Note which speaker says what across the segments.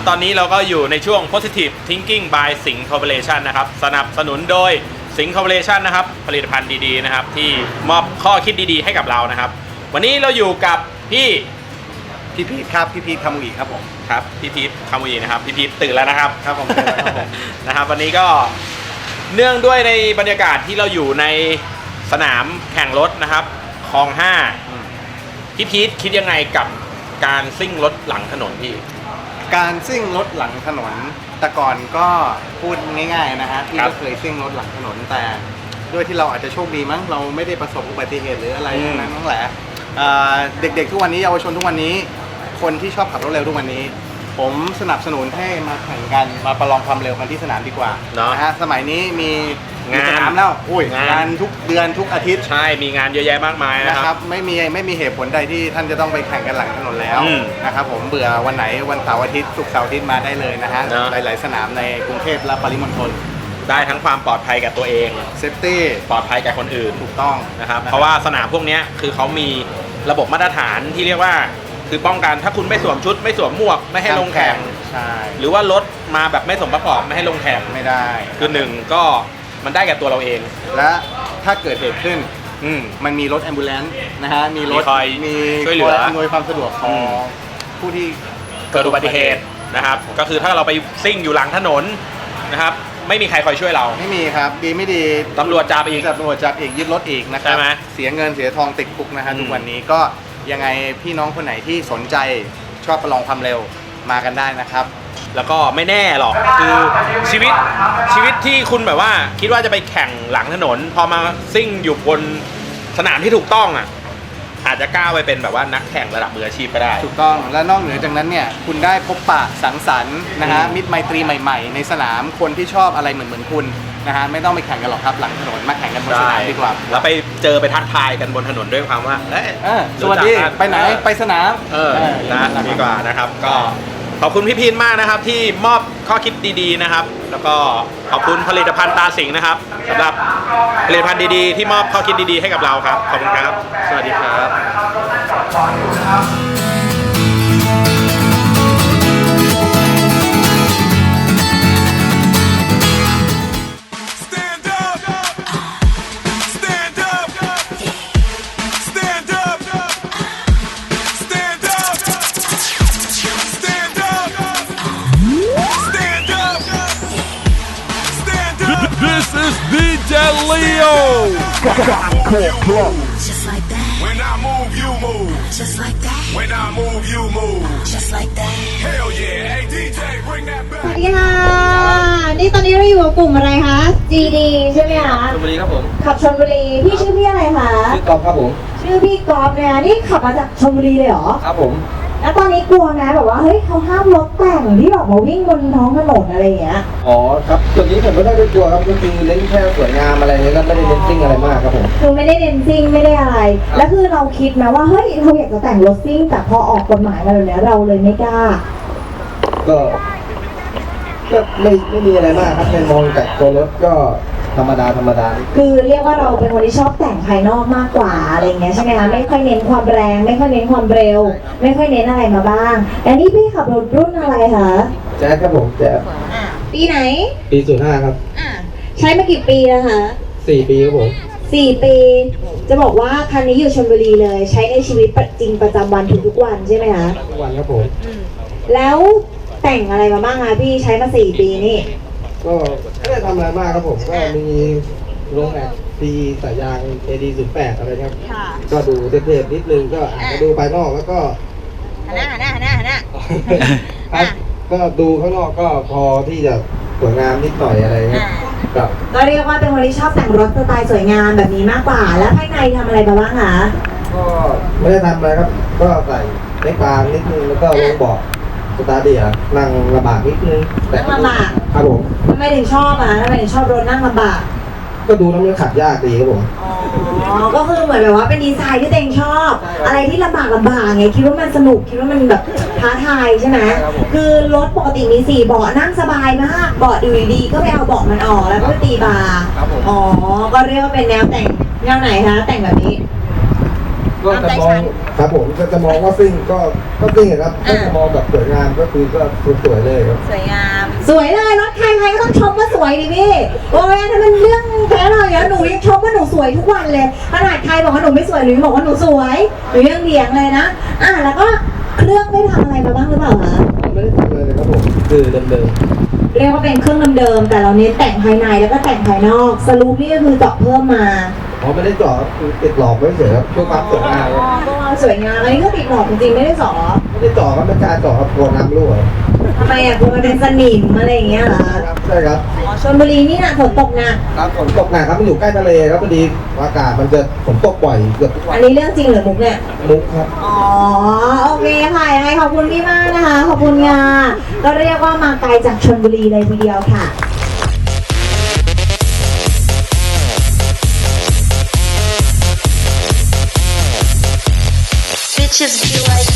Speaker 1: ตอนนี้เราก็อยู่ในช่วง Positive Thinking by Sing Corporation นะครับสนับสนุนโดย Sing Corporation นะครับผลิตภัณฑ์ดีๆนะครับที่มอบข้อคิดดีๆให้กับเรานะครับวันนี้เราอยู่กับพี่
Speaker 2: พีทครับพี่พีทคามุอิครับผม
Speaker 1: ครับพี่พีทคามุอินะครับพี่พีทตื่นแล้วนะครับ
Speaker 2: ครับผมตื่นแล้วครับผม
Speaker 1: นะครับวันนี้ก็เนื่องด้วยในบรรยากาศที่เราอยู่ในสนามแข่งรถนะครับคลอง5พี่พีทคิดยังไงกับการซิ่งรถหลังถนนพี่
Speaker 2: การซิ่งรถหลังถนนแต่ก่อนก็พูดง่ายๆนะฮะพี่ก็เคยซิ่งรถหลังถนนแต่ด้วยที่เราอาจจะโชคดีมั้งเราไม่ได้ประสบอุบัติเหตุหรืออะไรทั้งนั้นทั้งแหละเด็กๆทุกวันนี้เยาวชนทุกวันนี้คนที่ชอบขับรถเร็วทุกวันนี้ผมสนับสนุนให้มาแข่งกันมาประลองความเร็วกันที่สนามดีกว่านะฮะสมัยนี้มีสนามแล้วงานทุกเดือนทุกอาทิตย์
Speaker 1: ใช่มีงานเยอะแยะมากมายนะครับ
Speaker 2: ไม่มีเหตุผลใดที่ท่านจะต้องไปแข่งกันหลังถนนแล้วนะครับผมเบื่อวันไหนวันเสาร์อาทิตย์ศุกร์เสาร์อาทิตย์มาได้เลยนะฮะหลายๆสนามในกรุงเทพและปริมณฑล
Speaker 1: ได้ทั้งความปลอดภัยกับตัวเอง
Speaker 2: เซฟตี้
Speaker 1: ปลอดภัยกับคนอื่น
Speaker 2: ถูกต้อง
Speaker 1: นะครับเพราะว่าสนามพวกนี้คือเขามีระบบมาตรฐานที่เรียกว่าคือป้องกันถ้าคุณไม่สวมชุดไม่สวมหมวกไม่ให้ลงแข่ง
Speaker 2: ใช่
Speaker 1: หรือว่ารถมาแบบไม่สมประกอบไม่ให้ลงแข่ง
Speaker 2: ไม่ได้
Speaker 1: คือหนึ่งก็มันได้กับตัวเราเอง
Speaker 2: และถ้าเกิดเหตุขึ้นมันมีรถแอมบูเลนซ์นะฮะมีรถมี
Speaker 1: ช่วยเหลือ
Speaker 2: อำนวยความสะดวกของผู้ที่
Speaker 1: เกิดอุบัติเหตุนะครับก็คือถ้าเราไปซิ่งอยู่หลังถนนนะครับไม่มีใครคอยช่วยเรา
Speaker 2: ไม่มีครับดีไม่ดี
Speaker 1: ตำรวจจับอีก
Speaker 2: ยึดรถอีกนะครับเสียเงินเสียทองติดคุกนะฮะทุกวันนี้ก็ยังไงพี่น้องคนไหนที่สนใจชอบประลองความเร็วมากันได้นะครับ
Speaker 1: แล้วก็ไม่แน่หรอกคือชีวิตที่คุณแบบว่าคิดว่าจะไปแข่งหลังถนนพอมาซิ่งอยู่บนสนามที่ถูกต้องอ่ะอาจจะก้าวไปเป็นแบบว่านักแข่งระดับมืออาชีพก็ได้
Speaker 2: ถูกต้องและนอกเหนือจากนั้นเนี่ยคุณได้พบปะสังสรรค์นะฮะมิตรไมตรีใหม่ๆในสนามคนที่ชอบอะไรเหมือนคุณนะฮะไม่ต้องไปแข่งกันหรอกครับหลังถนนมาแข่งกันบนสนามดีกว่า
Speaker 1: แล้วไปเจอไปทักทายกันบนถนนด้วยความว่า
Speaker 2: สวัสดีไปไหนไปสนาม
Speaker 1: นะดีกว่านะครับก็ขอบคุณพี่พีนมากนะครับที่มอบข้อคิดดีๆนะครับแล้วก็ขอบคุณผลิตภัณฑ์ตาสิงห์นะครับสำหรับผลิตภัณฑ์ดีๆที่มอบข้อคิดดีๆให้กับเราครับขอบคุณครับสวัสดีครับ
Speaker 3: This is DJ Leo.
Speaker 4: Just like that.
Speaker 3: When I move, you move.
Speaker 4: Just like that.
Speaker 3: When I move, you move.
Speaker 4: Just like that.
Speaker 3: Hell yeah. Hey DJ, bring that
Speaker 5: สวัส
Speaker 3: back.
Speaker 5: ดีค่ะนี่ตอนนี้เราอยู่กับกลุ่มอะไรคะ GD ใช่ไหมคะ
Speaker 6: ชลบุรีครับผม
Speaker 5: ขับชลบุรีพี่ชื่อพี่อะไรคะ
Speaker 6: ชื่อกอล์ฟครับผม
Speaker 5: ชื่อพี่กอล์ฟเนี่ยนี่ขับมาจากชลบุรีเลยเหรอ
Speaker 6: ครับผม
Speaker 5: แล้วตอนนี้กลัวนะแบบว่าเฮ้ยเขาห้ามรถแต่งที่แบบมาวิ่งบนท้องถนนอะไรอย่างเงี้ย
Speaker 6: อ๋อครับจุดนี้ผมไม่ได้กลัวครับก็คือเน้นแค่สวยงามอะไรเงี้ยก็ไม่ได้เน้นซิ่งอะไรมากครับผม
Speaker 5: คือไม่ได้เน้นซิ่งไม่ได้อะไรแล้วคือเราคิดนะว่าเฮ้ยเราอยากจะแต่งรถซิ่งแต่พอออกกฎหมายมาแบบนี้เราเลยไม่กล้า
Speaker 6: ก็ไม่มีอะไรมากครับในมองจากตัวรถก็ธรรมดา
Speaker 5: คือเรียกว่าเราเป็นคนที่ชอบแต่งภายนอกมากกว่าอะไรเงี้ยใช่ไหมคะไม่ค่อยเน้นความแรงไม่ค่อยเน้นความเร็วไม่ค่อยเน้นอะไรมาบ้างแต่นี่พี่ขับรถรุ่นอะไรคะ
Speaker 6: แจ๊สครับผมแจ๊ส
Speaker 5: ปีไหน
Speaker 6: ปี05ครับ
Speaker 5: ใช้มากี่ปีแล้วคะ
Speaker 6: 4 ปีครับผม
Speaker 5: 4 ปีจะบอกว่าคันนี้อยู่ชลบุรีเลยใช้ในชีวิตจริงประจำวันทุกวันใช่ไหมคะ
Speaker 6: ทุกวันครับผม
Speaker 5: แล้วแต่งอะไรมาบ้างคะพี่ใช้มา4 ปีนี่
Speaker 6: ก็ไม่ได้ทำอะไรมากครับผมก็มีลงแบบดีสายยาง AD08 อะไรครับก็ดูเทปนิดนึงก็อาจจะดูภายนอกแล้วก็
Speaker 5: หันหน้า
Speaker 6: ครับก็ดูข้างนอกก็พอที่จะสวยงามนิดหน่อยอะไรเงี้ย
Speaker 5: ก็เรียกว่าเป็นคนที่ชอบแต่งรถสไตล์สวยงามแบบนี้มากกว่าแล้วภายในทำอะไรมาบ้างคะ
Speaker 6: ก็ไม่ได้ทำอะไรครับก็ใส่เล็กบางนิดนึงแล้วก็ลงเบาะสตาร์ทดีอ่ะนั่งลำบากนิดนึง
Speaker 5: นั่งลำบาก
Speaker 6: ครับผม
Speaker 5: ทำไมถึงชอบทำไมถึงชอบรถนั่งลำบาก
Speaker 6: ก็ดูแล้วมันขับยากดีครับผม
Speaker 5: อ๋อก็คือเหมือนแบบว่าเป็นดีไซน์ที่ตัวเองชอบอะไรที่ลำบากไงคิดว่ามันสนุกคิดว่ามันแบบท้าทายใช่ไหมคือรถปกติมี4 เบาะนั่งสบายมากเบาะดีๆก็ไปเอาเบาะมันออกแล้วก็ตีบาร์อ๋อก็เรียกว่าเป็นแนวแต่งแนวไหนคะแต่งแบบนี้
Speaker 6: ก็จะมองครับผมก็จะมองว่าซิ่งก็ซิ่งครับถ้าจะมองแบบสวยงามก็คือก็สวยเลยครับ
Speaker 5: สวยงาม สวยเลยรถใครก็ต้องชมว่าสวยดิพี่โอ้ยถ้ามันเรื่องแค่เราอย่างหนูยังชมว่าหนูสวยทุกวันเลยขนาดใครบอกว่าหนูไม่สวยหนูยังบอกว่าหนูสวยหนูยังเถียงเลยนะแล้วก็เครื่องได้ทำอะไรมาบ้างหรือเปล่าคะ
Speaker 6: ไม่ได้ทำอะไรเลยครับผมคือเดิม
Speaker 5: เรียกว่าเป็นเครื่องเดิมๆแต่เราเน้นแต่งภายในแล้วก็แต่งภายนอกสรุปนี่ก็คือเจาะเพิ่มมา
Speaker 6: ๆไม่ได้เจาะคือติดหลอกไว้เฉยครับเพื่อความสวยงามครับ
Speaker 5: ก็สวยงามอันนี้ก็ติดหลอดจริงๆไม่ได้สอ
Speaker 6: ไม่ได้เจาะครับไม่กล้าเจาะครับกลัวน้ำรั่ว
Speaker 5: ทำไมกลัวมันเป็นสนิมอะไรอย่างเงี้ยเหรอ
Speaker 6: ครับใช่ครับ
Speaker 5: ชลบุรีนี่นะฝนตกหนัก
Speaker 6: ครับฝนตกหนักครับมันอยู่ใกล้ทะเลครับพอดีอากาศมันจะฝนตกบ่อยเกือบทุกวั
Speaker 5: อั
Speaker 6: น
Speaker 5: นนี้เรื่องจริงหรือมุกเนี่ย
Speaker 6: มุกครับ
Speaker 5: อ๋อโอเคค่ะยังไงขอบคุณพี่มากนะคะขอบคุณค่ะก็เรียกว่ามาไกลจากชลบุรีเลยทีเดียวค่ะ
Speaker 4: Bitches be like,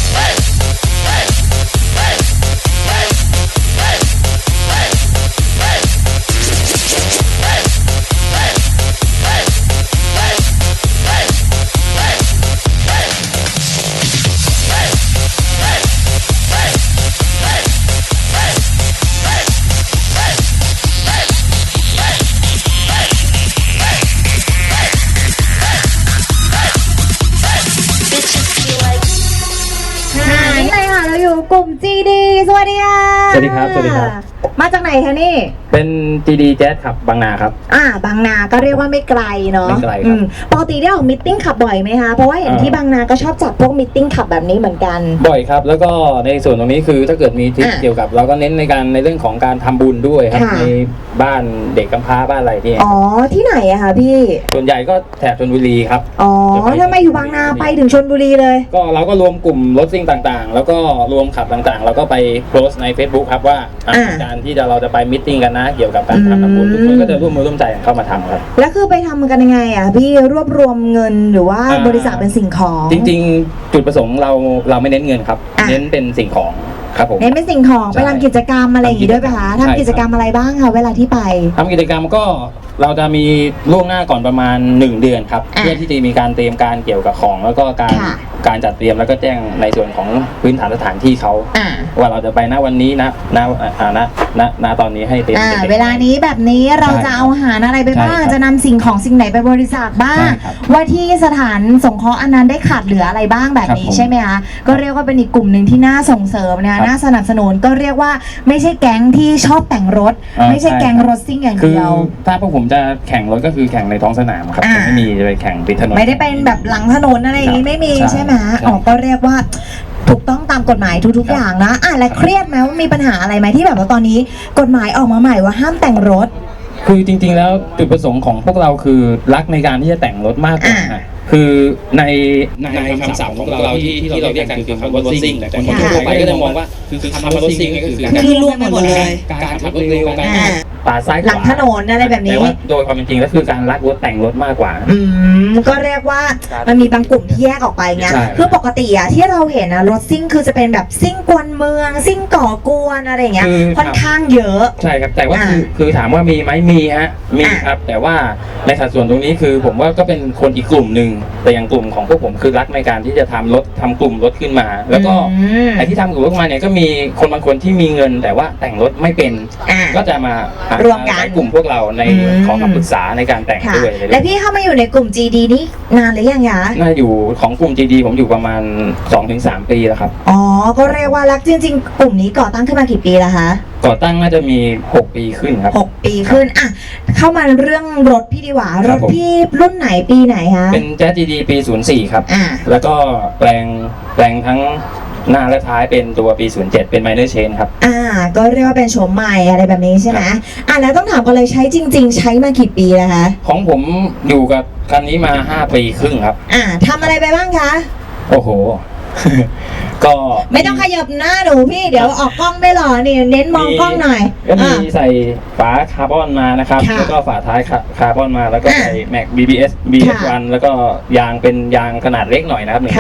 Speaker 4: bitches be like.
Speaker 5: นี่เลยค่ะเราอยู่กลุ่ม GD สวัสดีค่ะ
Speaker 7: สวัสดีครับสวัสดีครับ
Speaker 5: มาจากไหนคะนี่
Speaker 7: เป็น GD Jazz ขับบางนาครับ
Speaker 5: บางนาก็เรียกว่าไม่ไกลเนาะ
Speaker 7: ไม่ไกลครับ
Speaker 5: ปกติได้ออกมิทติ้งขับบ่อยไหมคะเพราะว่าเห็นที่บางนาก็ชอบจัดพวกมิทติ้งขับแบบนี้เหมือนกัน
Speaker 7: บ่อยครับ แล้วก็ในส่วนตรงนี้คือถ้าเกิดมีทริป
Speaker 5: อ่ะ
Speaker 7: เกี่ยวกับ เราก็เน้นในเรื่องของการทำบุญด้วยครับ
Speaker 5: ค่ะ
Speaker 7: ในบ้านเด็กกำพร้าบ้านอะไรที่
Speaker 5: อ๋อที่ไหนอะคะพี่
Speaker 7: ส่วนใหญ่ก็แถบชลบุรีครับ
Speaker 5: อ๋อทำไมอยู่บางนาไปถึงชลบุรีเลย
Speaker 7: ก็เราก็รวมกลุ่มรถซิ่งต่างๆ แล้วก็รวมขับต่างๆ แล้วก็ไปโพสต์ใน Facebook ครับว่าการที่เราจะไปมิทติ้งกันนะเกี่ยวกับการทำบุญทุกคนก็จะร่วมมือร่วมใจกันเข้ามาทำครับ
Speaker 5: แล้วคือไปทำกันยังไงอะพี่รวบรวมเงินหรือว่า
Speaker 7: อ่า
Speaker 5: บริจาคเป็นสิ่งของ
Speaker 7: จริงๆ จุดประสงค์เราไม่เน้นเงินครับ
Speaker 5: อ่ะ
Speaker 7: เน้นเป็นสิ่งของครับผม
Speaker 5: เน้นเป็นสิ่งของ
Speaker 7: ใช่
Speaker 5: ไปทำกิจกรรมอะไรอย่างงี้ด้วยไหมคะ
Speaker 7: ใช่ครับ
Speaker 5: ทำกิจกรรมอะไรบ้างคะเวลาที่ไป
Speaker 7: ทำกิจกรรมก็เราจะมีล่วงหน้าก่อนประมาณ 1 เดือนครับ
Speaker 5: อ่ะ
Speaker 7: เพื่อที่จะมีการเตรียมการเกี่ยวกับของ แล้วก็
Speaker 5: ค่ะ
Speaker 7: การจัดเตรียมแล้วก็แจ้งในส่วนของพื้นฐานสถานที่เขา
Speaker 5: อ่า
Speaker 7: ว่าเราจะไปณวันนี้ณตอนนี้ให้เตรียมด็กๆ
Speaker 5: เวลานี้แบบนี้เราจะเอาอาหารอะไรไปบ้าง
Speaker 7: ใช่ครับ
Speaker 5: จะนำสิ่งของสิ่งไหนไปบริจาคบ้าง
Speaker 7: ใช่ครับ
Speaker 5: ว่าที่สถานสงเคราะห์อันนั้นได้ขาดเหลืออะไรบ้างแบบนี้
Speaker 7: ครับผม
Speaker 5: ใช่ไหมคะก็เรียกว่าเป็นอีกกลุ่มหนึ่งที่น่าส่งเสริมนะ
Speaker 7: ครั
Speaker 5: คะ
Speaker 7: บ
Speaker 5: น่าสนับสนุนก็เรียกว่าไม่ใช่แก๊งที่ชอบแต่งรถ ไม่ใช่
Speaker 7: ใช่
Speaker 5: แก๊งรถซิ่งอย่าง
Speaker 7: คือ
Speaker 5: เดียว
Speaker 7: ถ้าพวกผมจะแข่งรถก็คือแข่งในท้องสนามครับ
Speaker 5: อ่า
Speaker 7: จะไม่มีจะไปแข่งติดถนน
Speaker 5: ไม่ได้เป็นแบบหลังถนนอะไรอย่างนี้
Speaker 7: ครับ
Speaker 5: ไม่มี
Speaker 7: ใช่
Speaker 5: ใช่ไหม
Speaker 7: ใช่
Speaker 5: อ๋อก็เรียกว่าถูกต้องตามกฎหมายทุก
Speaker 7: ครับ
Speaker 5: อย่างนะและเครียดไหมว่ามีปัญหาอะไรไหมที่แบบว่าตอนนี้กฎหมายออกมาใหม่ว่าห้ามแต่งรถ
Speaker 7: คือจริงๆแล้วจุดประสงค์ของพวกเราคือรักในการที่จะแต่งรถมากกว่า
Speaker 5: อ่า
Speaker 7: คือในคำศัพท์ของเราที่เราเรียกกันคือคำว่ารถซิ่งแต่คนทั่วไปก็จะมองว่าคือคำว่ารถซิ่งก็คือการ
Speaker 5: คือรวมไปหมดเลย
Speaker 7: การขับรถเร็วการ
Speaker 5: อ่า
Speaker 7: ปาดซ้ายขวา
Speaker 5: หลังถนนอะไรแบบนี้
Speaker 7: แต่ว่าโดยความเป็นจริงแล้วคือการรักรถแต่งรถมากกว่า
Speaker 5: ก็เรียกว่ามันมีบางกลุ่มที่แยกออกไปไง
Speaker 7: ใช่
Speaker 5: คือปกติอะที่เราเห็นอะรถซิ่งคือจะเป็นแบบซิ่งกวนเมือง ซิ่งก่อกวนอะไรอย่างเงี้ย
Speaker 7: คือ
Speaker 5: ค่อนข้างเยอะ
Speaker 7: ใช่ครับแต่ว่า
Speaker 5: อ่า
Speaker 7: คือถามว่ามีไหมมีฮะมีครับแต่ว่าในสัดส่วนตรงนี้คือผมว่าก็เป็นคนอีกกลุ่มหนึ่งแต่อย่างกลุ่มของพวกผมคือรักในการที่จะทำรถทำกลุ่มรถขึ้นมา แล้วก็ ไอ้ที่ทำกลุ่มรถมาเนี่ยก็มีคนบางคนที่มีเงิน แต่ว่าแต่งรถไม่เป็น
Speaker 5: อ่า
Speaker 7: ก็จะมา
Speaker 5: ร่วมกัน
Speaker 7: ใช้กลุ่มพวกเราใน
Speaker 5: อืม
Speaker 7: ขอคำปรึกษาในการแต่ง
Speaker 5: ค่ะ
Speaker 7: ด้วย
Speaker 5: และพี่เข้ามาอยู่ในกลุ่ม GD นี่นานหรือยังคะ
Speaker 7: น่าอยู่ของกลุ่ม GD ผมอยู่ประมาณ 2-3 ปีแล้วครับ
Speaker 5: อ๋อ ก็เรียกว่ารักจริงๆ กลุ่มนี้ก่อตั้งขึ้นมากี่ปีแล้วคะ
Speaker 7: ก่อตั้งน่าจะมี 6 ปีขึ้นครับ
Speaker 5: 6 ปีขึ้นอ่ะเข้ามาเรื่องรถพี่ดีกว่า
Speaker 7: ค
Speaker 5: ร
Speaker 7: รับ
Speaker 5: ถ
Speaker 7: ผม
Speaker 5: พี่รุ่นไหนปีไหนคะ
Speaker 7: เป็น Jazz GD ปี 04 ครับ
Speaker 5: อ่า
Speaker 7: แล้วก็แปลงทั้งหน้าและท้ายเป็นตัวปี 07 เป็น minor change ครับ
Speaker 5: ก็เรียกว่าเป็นโฉมใหม่อะไรแบบนี้ใช่ไหมแล้วต้องถามกันเลยใช้จริง ๆ ใช้มากี่ปีแล้วคะ
Speaker 7: ของผมอยู่กับคันนี้มา 5 ปีครึ่งครับ
Speaker 5: ทำอะไรไปบ้างคะ
Speaker 7: โอ้โห ก็
Speaker 5: ไม่ต้องขยับหน้าหนูพี่เดี๋ยวออกกล้องไม่หล่อนี่เน้นมองกล้องหน่อย
Speaker 7: ก็มีใส่ฝาคาร์บอนมานะครับ
Speaker 5: ค่ะ
Speaker 7: แล้วก็ฝาท้ายคาร์บอนมาแล้วก็ใส่แม็ก BBS
Speaker 5: ค่ะ
Speaker 7: BS1 แล้วก็ยางเป็นยางขนาดเล็กหน่อยนะครับ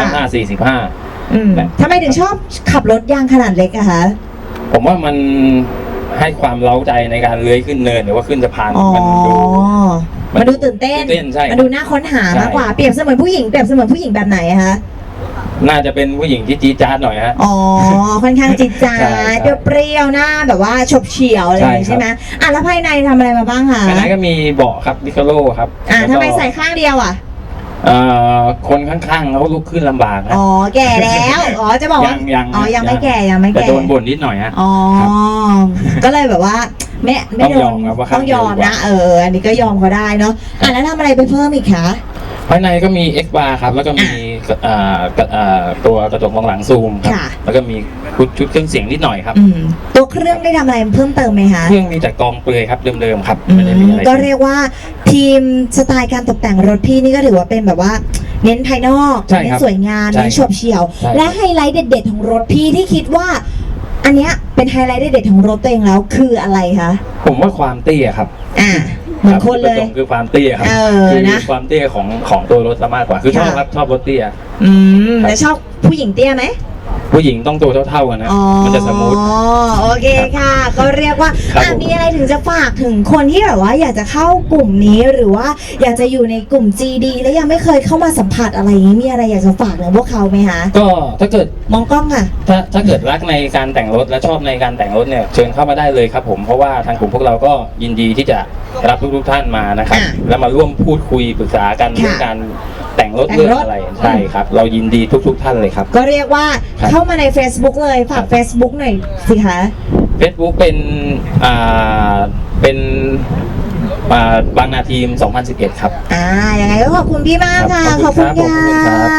Speaker 7: 1.5
Speaker 5: ทำไมถึงชอบขับรถยางขนาดเล็กอะคะ
Speaker 7: 45ผมว่ามันให้ความเร้าใจในการเลื้อยขึ้นเนินหรือว่าขึ้นสะพาน
Speaker 5: อ๋อ
Speaker 7: มันดู
Speaker 5: มันดูตื่นเต้น
Speaker 7: ใช่
Speaker 5: มันดูน่าค้นหามากกว่า เปรียบเสมือนผู้หญิงแบบไหนอะคะ
Speaker 7: น่าจะเป็นผู้หญิงที่จี๊ดจ๊าดหน่อยฮะ
Speaker 5: อ๋อ ค่อนข้างจิตใจ
Speaker 7: ใช่ครับ
Speaker 5: เปรี้ยวๆหน้าแบบว่าฉบเฉี่ยวอะไรอย่างงี้
Speaker 7: ใช่ครับ
Speaker 5: ใช่ไหมอ่ะแล้วภายในทำอะไรมาบ้างคะ
Speaker 7: ภายในก็มีเบาะครับดิคาโลครับ แล้วก็
Speaker 5: ทำไมใส่ข้างเดียวอ่ะ
Speaker 7: คนข้างๆเขาลุกขึ้นลำบากนะ
Speaker 5: อ๋อ แก่แล้ว อ๋อ จะบอกว่า
Speaker 7: ยัง
Speaker 5: อ๋อ ยังไม่แก่ ยังไม่
Speaker 7: แต่
Speaker 5: แก่
Speaker 7: โดนบ่นนิดหน่อยฮะ
Speaker 5: อ๋อ
Speaker 7: ครับ
Speaker 5: ก็เลยแบบว่าไม่โด
Speaker 7: ต้องยอน มครับว่าข้าง
Speaker 5: ต้องยอม
Speaker 7: เดียวดีก
Speaker 5: นะ
Speaker 7: ว่า
Speaker 5: อันนี้ก็ยอมเขาได้เนาะอ่ะแล้วทำอะไรไปเพิ่มอีกคะ
Speaker 7: ภายในก็มี X bar ครับ แล้วก็มีตัวกระจกมองหลังซูมครับ
Speaker 5: ค่ะ
Speaker 7: แล้วก็มีชุดเครื่องเสียงนิดหน่อยครับ
Speaker 5: ตัวเครื่องได้ทำอะไรเพิ่มเติมไหมคะ
Speaker 7: เครื่องมีแต่กองเปลือยครับเดิมๆครับ
Speaker 5: อื
Speaker 7: ไม่ได้มี
Speaker 5: ม
Speaker 7: อะไร
Speaker 5: ก็เรียกว่าทีมสไตล์การตกแต่งรถพี่นี่ก็ถือว่าเป็นแบบว่า เน้นภายนอก
Speaker 7: ใช่
Speaker 5: เน้
Speaker 7: คน รับ
Speaker 5: สวยงาม
Speaker 7: ใช่
Speaker 5: เน้นโฉบเฉี่ยว
Speaker 7: ใช่
Speaker 5: และไฮไลท์เด็ด ๆ ของรถพี่ที่คิดว่า อันเนี้ยเป็นไฮไลท์เด็ดๆของรถตัวเองแล้วคืออะไรคะ
Speaker 7: ผมว่าความเตี้ยครับ
Speaker 5: เหมือนคนเลย
Speaker 7: รับคือความเตี้ยครับ คือ
Speaker 5: นะ
Speaker 7: ความเตี้ยของตัวรถซะมากกว่า คือชอบ
Speaker 5: ค่ะ
Speaker 7: ครับชอบรถเตี้ย
Speaker 5: แล้วชอบผู้หญิงเตี้ยไหม
Speaker 7: ผู้หญิงต้องตัวเท่าๆกันนะ มันจะสมูท
Speaker 5: โอเคค่ะ ก็เรียกว่า
Speaker 7: ครับผม
Speaker 5: มีอะไรถึงจะฝากถึงคนที่แบบว่าอยากจะเข้ากลุ่มนี้หรือว่าอยากจะอยู่ในกลุ่ม GD แล้วยังไม่เคยเข้ามาสัมผัสอะไรอย่างนี้มีอะไรอยากจะฝากถึงพวกเขาไหมคะ
Speaker 7: ก็ถ้าเกิด
Speaker 5: มองกล้องค่ะ
Speaker 7: ถ้าเกิดรักในการแต่งรถและชอบในการแต่งรถเนี่ยเชิญเข้ามาได้เลยครับผมเพราะว่าทางกลุ่มพวกเราก็ยินดีที่จะรับทุกท่านมานะครับ
Speaker 5: อ่ะ
Speaker 7: แล้วมาร่วมพูดคุยปรึกษากัน
Speaker 5: ค่ะ
Speaker 7: เรื่องการแต่งรถ
Speaker 5: แต่งรถ
Speaker 7: เรื่องอะไรใช่ครับ เรายินดีทุกท่านเลยครับ
Speaker 5: ก็เรียกว่า
Speaker 7: ครับ
Speaker 5: เข้ามาใน Facebook เลยฝาก Facebook หน่อยสิคะ
Speaker 7: Facebook เป็นบางนาทีม 2011 ครับ
Speaker 5: ยังไงก็ขอบคุณพี่มากค่ะ
Speaker 7: ครับ
Speaker 5: ขอบคุณ
Speaker 7: ขอบคุณครั
Speaker 5: ค่ะ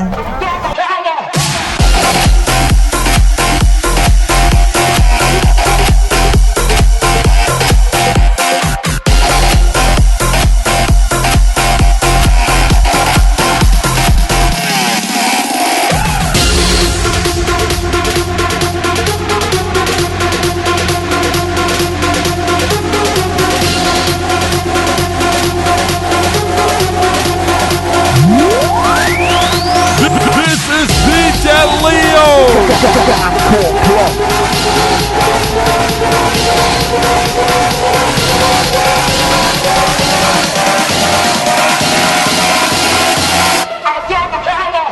Speaker 3: This is DJ Leo.